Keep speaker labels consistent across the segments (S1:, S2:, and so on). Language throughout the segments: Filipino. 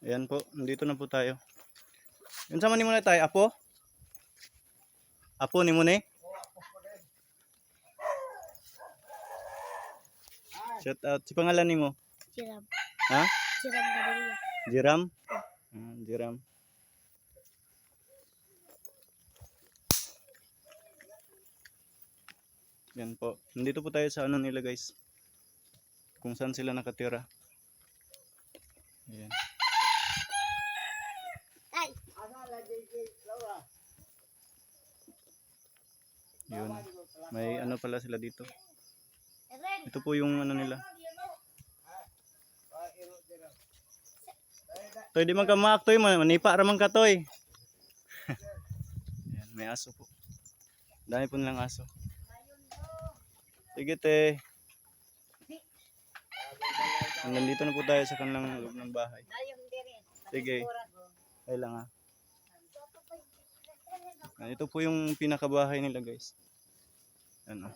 S1: Ayan po, dito na po tayo. Yun sama ni mo na tayo, apo? Apo ni mo na. Shout out. Si pangalan ni mo?
S2: Siram.
S1: Ha?
S2: Siram Badilla.
S1: Jiram? Jiram. Yan po. Nandito po tayo sa ano nila guys. Kung saan sila nakatira. Ayan.
S2: Ay!
S1: Yun. May ano pala sila dito. Ito po yung ano nila. Toy, di man ka maaktoy, manipa ramang ka toy. Ayan, may aso po. Dami po nilang aso. Sige te. Nandito na po tayo sa kanilang loob ng bahay. Sige. Ay lang ha. Ito po yung pinakabahay nila guys. Ano.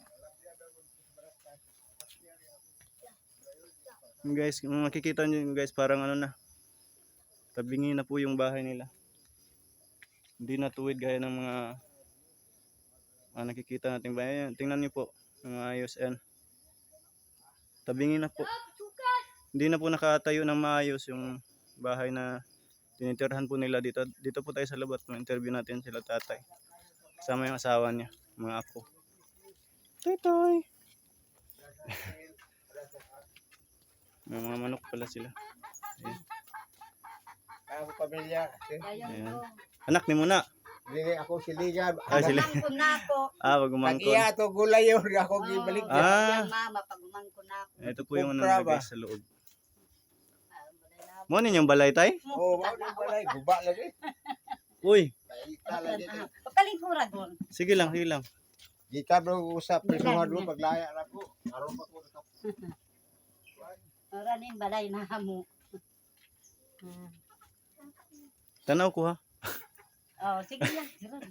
S1: Guys, kung makikita nyo guys, parang ano na. Tabingi na po yung bahay nila. Hindi na tuwid gaya ng mga nakikita natin bahay. Tingnan nyo po. Mga ayos and tabingi na po. Hindi na po nakatayo ng maayos yung bahay na tinitirhan po nila dito. Dito po tayo sa labas. Ma-interview natin sila tatay. Kasama yung asawa niya. Mga apo. Toy toy. May mga manok pala sila. Ayan.
S3: Ako pamilya.
S1: Ayan. Anak ni Muna.
S3: Dili ako siligan.
S1: Ay sila.
S2: Pagumangko na ako.
S1: Pagumangkon.
S3: Pag-iya to gulay yun ako gibalik.
S2: Yung mama, pagumangko na ako.
S1: Ito po yung ano
S3: Kupra
S1: nila
S3: ba?
S1: guys sa loob. Mo ninyong balay tay?
S3: Oh, mao ni balay guba lagi.
S1: Uy,
S3: Baita lagi.
S2: Pagkalingkuran ko.
S1: sige lang, sige lang.
S3: Gita bro usap prisuhan do paglaya ra ko. Aron pa ko ka.
S2: Ora ning balay na hamo.
S1: Tanaw ko ha.
S2: Oh, sige lang.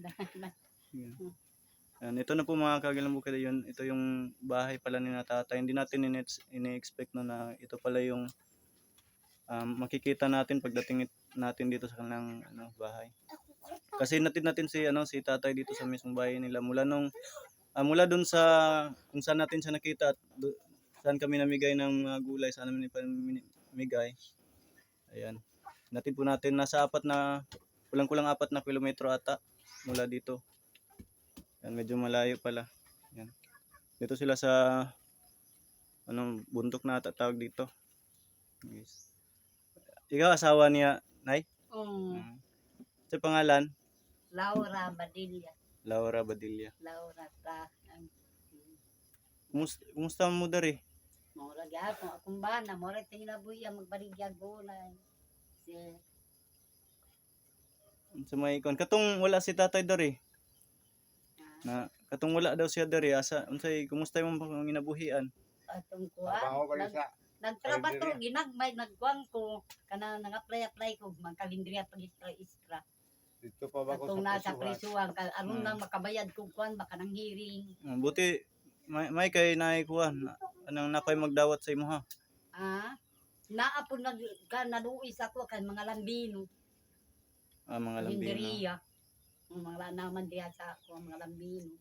S1: Yan, ito na po mga kagilang bukid yun. Ito yung bahay pala ni tatay. Hindi natin ini-expect na ito pala yung makikita natin pagdating natin dito sa kanilang bahay. Kasi natin si tatay dito sa mismong bahay nila mula dun sa kung saan natin siya nakita at saan kami namigay ng mga gulay, saan namin namigay. Ayan. Natin po natin nasa kulang-kulang 4 na kilometro ata mula dito. Yan, medyo malayo pala. Yan. Dito sila sa bundok na tawag dito. Yes. Ikaw asawa niya, Nay? Sa pangalan?
S2: Laura Badilla.
S1: Laura Badilla.
S2: Laura ta.
S1: Kumusta mo dari?
S2: Mora gyapon akong bana, mora tinabuhi ang magbaligya gulay.
S1: Sa may ikon. Katong wala si tatay dari. Katong wala daw siya dari. Unsay kumusta yung mga ginabuhian?
S2: Atong
S3: Trabaho
S2: kuha.
S3: ba sa
S2: Nagtrabaho ginagmay nagkuang ko kana nang-apply ko magkalindriya pag-extra.
S3: dito pa ba ko
S2: Atong nasa
S3: sa
S2: prisuhan anong nang makabayad kung kuan baka nang hearing.
S1: Buti may kay naikuan. Anong nakoy magdawat sa imo ha?
S2: Naa po naluis ako kay mga lambino.
S1: Mga lambino.
S2: Lindriya. Mga naman diya sa ako mga lambino.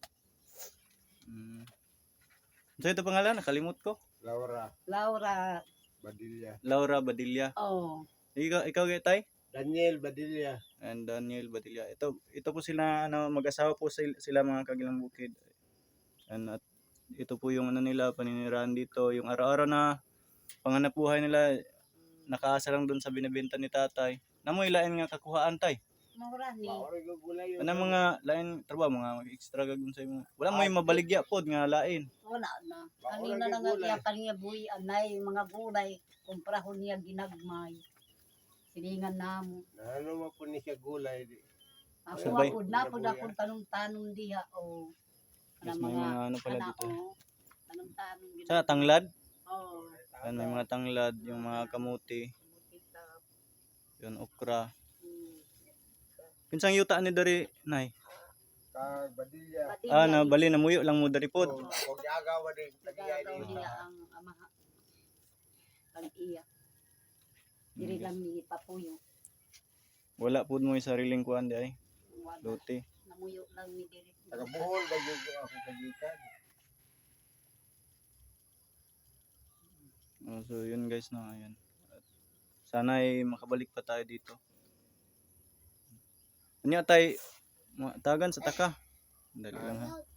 S1: So ito pangalan, nakalimot ko.
S3: Laura
S2: Laura.
S3: Badilla.
S1: Laura Badilla.
S2: Oh.
S1: Ikaw tay?
S3: Daniel Badilla.
S1: And Daniel Badilla. Ito po sila mag-asawa po sila mga kagilang bukid. At ito po yung nila paninirahan dito, yung araw-araw na panganap buhay nila nakaasa lang doon sa binebenta ni tatay. Namoy lain nga kakuhaan tay.
S2: Mura ni.
S3: Maoray ko gulay yun.
S1: Ano mga lain trabaho mga extra gagawin sa imo. Wala may mabaligya pod nga lain.
S2: Wala na. Kanina na nga iya kaniya buhi anay mga gulay kumprahon niya ginagmay. Silingan namo.
S3: Ano mo po ni siya gulay di.
S2: Ako
S1: Sabay.
S2: ako na po akong tanong-tanong diha o
S1: Yes, may mga ano pala dito.
S2: Tanong-tanong
S1: Sa tanglad?
S2: Oh.
S1: Yan, may mga tanglad, yung mga kamuti, yun okra. Kinsang yuta ni dari nay?
S3: Kag Badilla.
S1: Bali na muyo lang mo dari pod.
S3: Ako giagawa din. Nagiyay din.
S2: Niya ang amaha. Ang iya. Diri lang mi ipapuyo.
S1: Wala pud mo sariling kuan di ay.
S2: Wala.
S1: Lote.
S2: Namuyo lang mi diri.
S3: Taga Bohol ba yung ako kagikan?
S1: So yun guys no, ayun. Sana ay makabalik pa tayo dito. Anya tay tagan sa taka. Dali lang ha.